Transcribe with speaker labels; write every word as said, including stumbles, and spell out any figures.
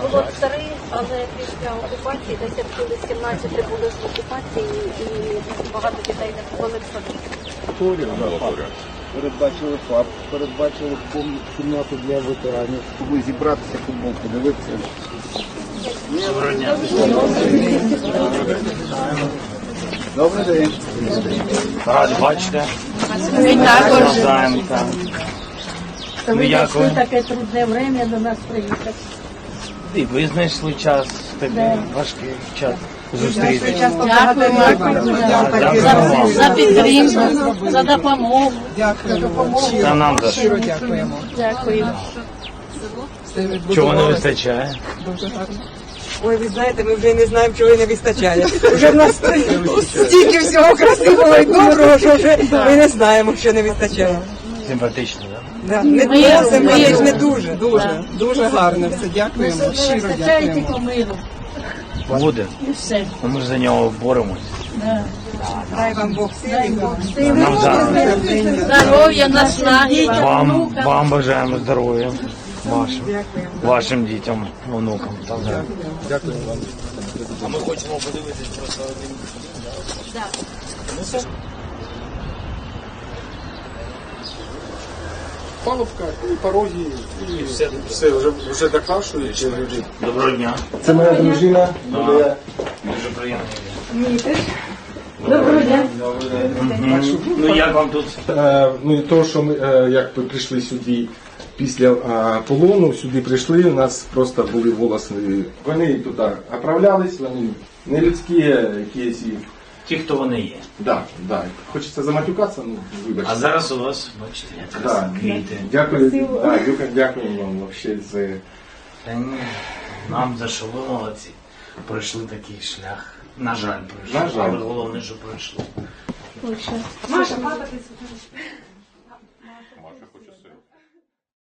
Speaker 1: було три, але після окупації, десь як були сімнадцять були з окупації, і багато дітей не були в садку.
Speaker 2: Передбачили ФАП, передбачили кімнату для ветеранів, щоб зібратися, футбол подивитися.
Speaker 3: Доброго дня.
Speaker 2: Добрий день.
Speaker 3: Раді бачите.
Speaker 4: Ми також.
Speaker 3: Знаємо, так.
Speaker 4: То
Speaker 3: Ну,
Speaker 4: ви
Speaker 3: як ви?
Speaker 4: знайшли таке трудне время до нас приїхати.
Speaker 3: І ви знайшли час, такий важкий час зустрітися.
Speaker 4: Дякуємо за, за підтримку, за допомогу.
Speaker 5: Дякуємо.
Speaker 3: Та нам за що.
Speaker 5: Щиро дякуємо.
Speaker 4: Дякуємо.
Speaker 3: Чого не вистачає?
Speaker 5: Дуже гарно. Ой, ви знаєте, ми вже й не знаємо, чого й не вистачає. Вже в нас стільки всього красивого і доброго, що вже ми не знаємо, що не вистачає.
Speaker 3: Симпатично, так?
Speaker 5: Да. Не
Speaker 4: Миру,
Speaker 5: дуже, симпатичне,
Speaker 4: миру.
Speaker 5: дуже, дуже, дуже гарно все. Дякуємо,
Speaker 4: Не
Speaker 5: щиро
Speaker 4: вистачає
Speaker 5: дякуємо.
Speaker 4: тільки миру.
Speaker 3: Буде.
Speaker 4: І все.
Speaker 3: Ну, ми ж за нього боремось.
Speaker 4: Да.
Speaker 5: Дай вам Бог сили.
Speaker 3: Нам за
Speaker 4: Здоров'я, наснаги.
Speaker 3: вам, вам бажаємо здоров'я. Вашим, вашим дітям, онукам. Так, да.
Speaker 2: Дякую вам.
Speaker 3: А ми хочемо подивитись просто один.
Speaker 2: Палубка, і пороги, і все, все вже, вже докрашують.
Speaker 3: Доброго дня.
Speaker 2: Це моя дружина.
Speaker 3: Дуже приємно.
Speaker 4: Доброго дня.
Speaker 3: Мгм. Ну як вам тут?
Speaker 2: Е, ну і то, що ми е, як ми прийшли сюди після е, полону, сюди прийшли, у нас просто були волоси. Вони туди оправлялись, вони не людські якісь. і-
Speaker 3: Ті, хто вони є.
Speaker 2: Да, да. Хочеться заматюкатися, ну вибачте.
Speaker 3: А зараз у вас, бачите, якраз
Speaker 2: Да.
Speaker 3: квіти.
Speaker 2: Дякую, да, дякую, дякую вам вообще за.
Speaker 3: Та ні, нам за що ви молодці. Пройшли такий шлях. На жаль, пройшли.
Speaker 2: На жаль.
Speaker 3: Але головне, що пройшли.
Speaker 4: Лучше.
Speaker 5: Маша, папа, ти